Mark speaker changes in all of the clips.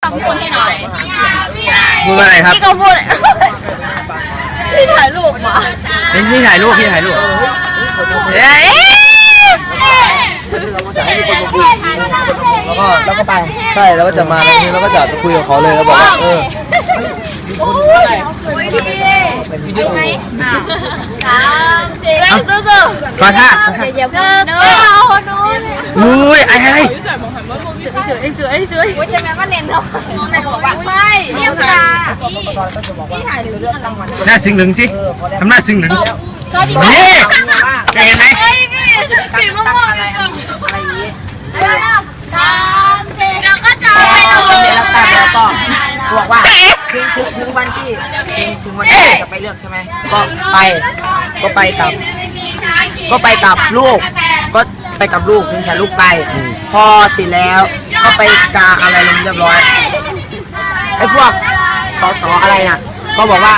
Speaker 1: คำพูดให้หน่อย
Speaker 2: พูดอะไรครับ
Speaker 1: พี่ก็พูดพี่ถ่ายรูปมา
Speaker 2: พี่ถ่ายรูปเอ๊ะ
Speaker 3: แล้วก็ไปใช่แล้วก็จะมาตรงนี้แล้วก็จะคุยกับเขาเลยแล้วบอกว่า
Speaker 1: โอ้ยพี่ไหมสู้
Speaker 2: ขอท่า
Speaker 1: อย่าพูดเนอะ
Speaker 2: อุ้ยไอ้
Speaker 1: สวยจะแม่ว่าเน้นเนาะไม่เรียบร้อยพี่ถ่ายถึงเรื่องรางวัล
Speaker 2: หน้าซึ้งหนึ่งสิทำหน้าซึ้งหนึ่งนี่เห็นไหม
Speaker 1: สีม่วงอะไรอย่างนี้เราก็จะไปดู
Speaker 3: แล้วก็บอกว่าถึงวันที่จะไปเลือกใช่ไหมก็ไปกับลูกก็ไปกับลูกถึงแค่ลูกไปพอเสร็จแล้วก็ไปกาอะไรลงเรียบร้อยไอ้พวกสอะไรน่ะก็บอกว่า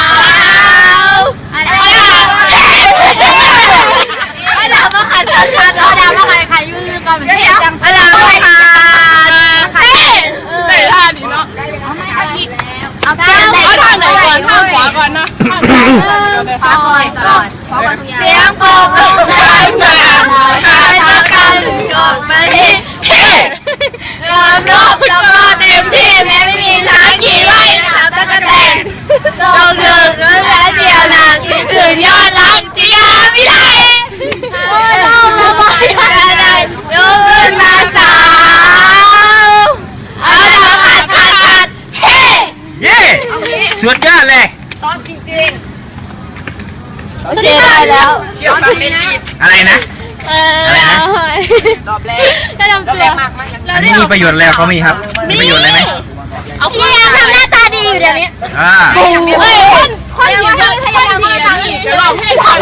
Speaker 1: ดาวมาขัดยืนก่อนเหมือนกันจังดาวมาขัดเตะท่านี้เนาะเอาท่าไหนก่อนท่าขวาก่อนนะขวาก่อนเสียงโป่งลงมาใช้ตะกันกดไปเฮ้ความโลภเราก็เต็มที่แม้ไม่มีช้างขี่ไล่นะครับตะกันแตงเราเดินก็แล้วเดียวนะคิดถึงยอดรักที่ยาไม่ได้โอ้โหเราไม่ได้ยกขึ้นมาสาวเอาละขัดเฮ้
Speaker 2: เย้สุดยอดเลย
Speaker 1: ได้แล้ว
Speaker 2: อะไรนะ
Speaker 1: รอบแรกก็ทำตัว
Speaker 2: อันนี้มีประโยชน์แล้วเขามีครับมีประโยชน์อะไรไหม
Speaker 1: เอาพี่ทำหน้าตาดีอยู่เดี๋ยวนี้คนอยู่ที่พยายามดีเดี๋ยวเราให้ทำ